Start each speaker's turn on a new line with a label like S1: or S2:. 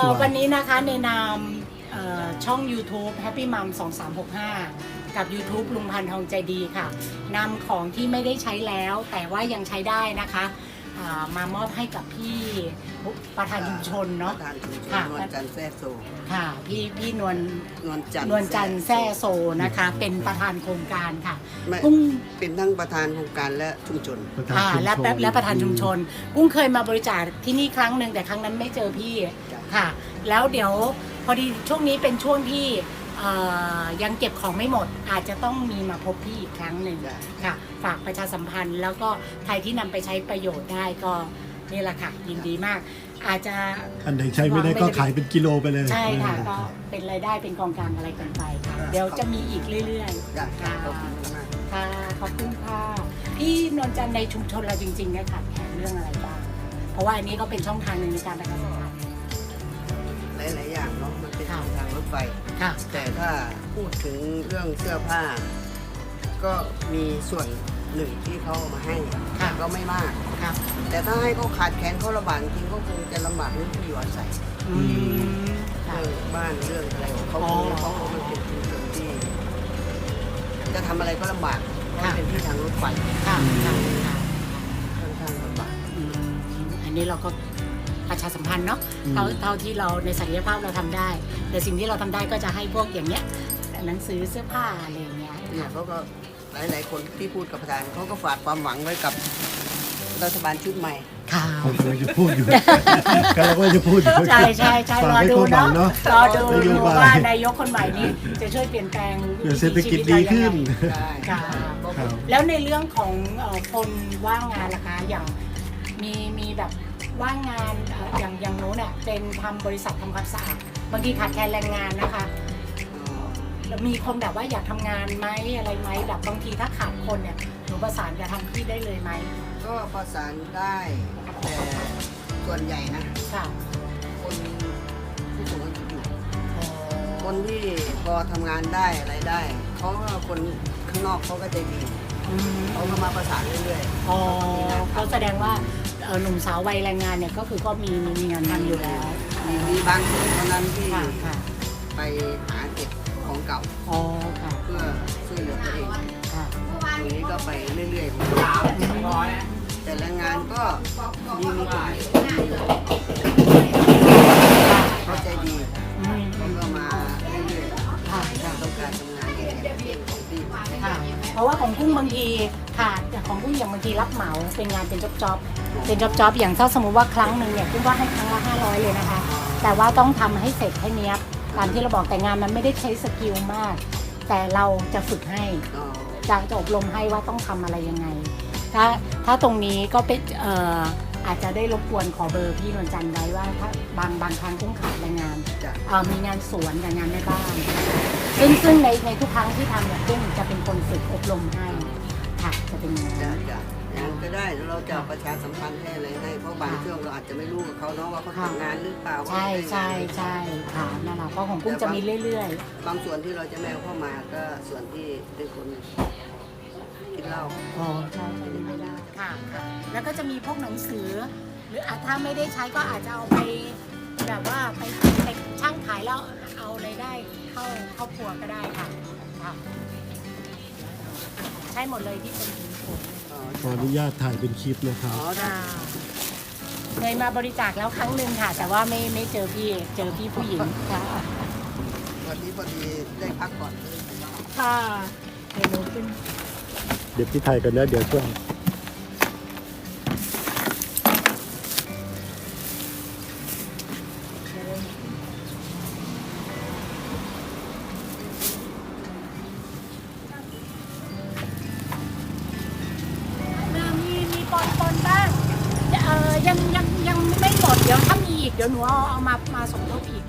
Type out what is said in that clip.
S1: วันนี้นะคะในนามช่อง YouTube Happy Mom 2365 กับ YouTube ลุงพันธ์ทองใจดีค่ะนำของที่ไม่ได้ใช้แล้วแต่ว่ายังใช้ได้นะคะมามอบให้กับพี่ประธานชุมชนเนาะ
S2: ประธานชุมชน
S1: ค่ะ
S2: นวลจันทร์แซ่โซ
S1: ค่ะพี่นวล
S2: นวลจันท
S1: นวลจันทร์แซ่โซนะคะเป็นประธานโครงการค่ะ
S2: ไม่
S1: กุ้ง
S2: เป็นทั้งประธานโครงการและชุมชน
S1: และประธานชุมชนกุ้งเคยมาบริจาคที่นี่ครั้งหนึ่งแต่ครั้งนั้นไม่เจอพี่ค่ะแล้วเดี๋ยวพอดีช่วงนี้เป็นช่วงที่ยังเก็บของไม่หมดอาจจะต้องมีมาพบพี่อีกครั้งหนึ่งค่ะฝากประชาสัมพันธ์แล้วก็ใครที่นำไปใช้ประโยชน์ได้ก็นี่แหละค่ะยินดีมากอาจจะ
S3: อันไหนใช้ไม่ได้ก็ขายเป็นกิโลไปเลย
S1: ใช่ค่ะก็เป็นรายได้เป็นกองกลางอะไรกันไปค่ะเดี๋ยวจะมีอีกเรื่อยๆค่ะ
S2: ขอบคุณมาก
S1: ค่ะขอบคุณค่ะพี่นวลจันทร์ในชุมชนเราจริงๆเนี่ยขาดแคลนเรื่องอะไรบ้างเพราะว่าอันนี้ก็เป็นช่องทางหนึ่งในการประชาสัมพันธ์
S2: หลายๆอย่างเนาะมันเป็น
S1: ค่ะ
S2: ทางรถไฟ
S1: ค่ะ
S2: แต่ถ้าพูดถึงเรื่องเสื้อผ้า ก็มีส่วนหนึ่งที่เขาเอามาให้แต่ก็ไม่มาก
S1: ค่ะ
S2: แต่ถ้าให้เขาขาดแคลนเขาลำบากจริงก็คงจะลำบากเรื่องที่อยู่อาศัย
S1: อืมค่ะ
S2: เรื่องบ้านเรื่องอะไรของเขา
S1: อ๋อ
S2: เขามันเป็นชุมชนที่ จะทำอะไรก็ลำบากเพราะเป็นที่ทางรถไฟ
S1: ค่ะค่ะค่ะ
S2: ค่อนข้างลำบาก
S1: อืมอันนี้เราก็ประชาสัมพันธ์เนาะเท่าที่เราในศักยภาพเราทำได้ แต่สิ่งที่เราทำได้ก็จะให้พวกอย่างเนี้ยหนังสือเสื้อผ้าอะไรอย่างเงี้ย
S2: เนี่ยเขาก็หลายๆคนที่พูดกับประธานเขาก็ฝากความหวังไว้กับรัฐบาลชุดใหม่
S1: ค่ะ
S3: ผมกำลังจะพูดอยู่ กำลังว่าจะพูดอยู่
S1: ใช่ใช่ใช่
S3: ฝาก
S1: รอ
S3: ให้
S1: ดู
S3: ความหวัง
S1: เนาะ
S3: เนาะ
S1: รอดู
S3: นโยบาย
S1: ว่านายกคนใหม่นี้จะช่วยเปลี่ยนแปลง
S3: เพื่อเศรษฐกิจดีขึ้น
S2: ใช่
S1: ค่ะ
S3: ครับ
S1: แล้วในเรื่องของคนว่างงานล่ะคะอย่างมีแบบว่างงานอย่างโน้นเนี่ยเป็นทำบริษัททำความสะอาดบางทีขาดแคลนแรงงานนะคะแล้วมีคนแบบว่าอยากทำงานไหมอะไรไหมแบบบางทีถ้าขาดคนเนี่ยหนูประสานจะทำที่ได้เลยไหม
S2: ก็ประสานได้แต่ส่วนใหญ่นะ
S1: ค่ะ
S2: คนผู้สูงอายุอยู่คนที่พอทำงานได้อะไรได้เขาก็คนข้างนอกเขาก็ใจดีเขาก็มาประสานเรื่อย
S1: อ๋อก็แสดงว่าหนุ่มสาววัยแรงงานเนี่ยก็คือก็มีงานทำอยู่แล้ว
S2: ๆมีบางคนเท่านั้นที่
S1: ค่ะค่ะ
S2: ไปหาเก็บของเก่า
S1: อ๋อค่ะ
S2: เพื่อช่วยเหลือตัวเอง
S1: ค่ะ
S2: ตรงนี้ก็ไปเรื่อยๆแต่แรงงานก็มีกลุ่มเขาใจดี
S1: อืม
S2: เขาก็มาเรื่อย
S1: ค่ะค่ะ
S2: ๆต้องการทำงานที่ของที่
S1: ค่ะเพราะว่าของกุ้งบางทีค่ะแต่ของกุ้งอย่างบางทีรับเหมาเป็นงานเป็นจ็อบเป็นจ็อบอย่างถ้าสมมติว่าครั้งหนึ่งเนี่ยกุ้งก็ให้ครั้งละ500เลยนะคะ แต่ว่าต้องทำให้เสร็จให้เนี้ยบตามที่เราบอกแต่งานมันไม่ได้ใช้สกิลมาก แต่เราจะฝึกให้
S2: อ๋อ
S1: จะอบรมให้ว่าต้องทำอะไรยังไง ถ้าตรงนี้ก็เป็นอาจจะได้รบกวนขอเบอร์พี่นวลจันทร์ไว้ว่าถ้าบางครั้งกุ้งขาดแรงงาน
S2: จะ
S1: มีงานสวนกับงานแม่บ้านซึ่งในทุกครั้งที่ทำเนี่ยกุ้งจะเป็นคนฝึกอบรมให้ค่ะจะเป็นอย่าง
S2: จะ
S1: นั้น
S2: จะอย่างนั้นก็ได้แล้วเราจะประชาสัมพันธ์ให้อะไรให้เพราะบางช่วงเราอาจจะไม่รู้กับเขาเนาะว่าเขาทำงานหรือเปล่า
S1: ใช่ใช่ใช่ค่ะนั่นแหละเพราะของกุ้งจะมีเรื่อย
S2: บางส่วนที่เราจะแมวเข้ามาก็ส่วนที่เป็นคนกินเหล้า
S1: ๆอ๋อใช่ใช่ไม่ได้ค่ะค่ะแล้วก็จะมีพวกหนังสือ หรือถ้าไม่ได้ใช้ก็อาจจะเอาไปแบบว่าไปช่างขายแล้วเอารายได้เข้าครอบครัวก็ได้ค่ะค่ะใช่หมดเลยที่เป็นถุงผง
S3: ขออนุญาตถ่ายเป็นคลิปนะครับ
S2: อ๋อได้
S1: เคยมาบริจาคแล้วครั้งหนึ่งค่ะ แต่ว่าไม่เจอพี่ผู้หญิงค่ะ
S2: วันนี้พอดีได้พักก่อน
S1: ค่ะเดี๋ยวหนูขึ้น
S3: เดี๋ยวพี่ถ่ายกันนะเดี๋ยวช่วย
S1: มีปนบ้างยังไม่หมดเดี๋ยวถ้ามีอีกเดี๋ยวหนูเอามาสมทบอีก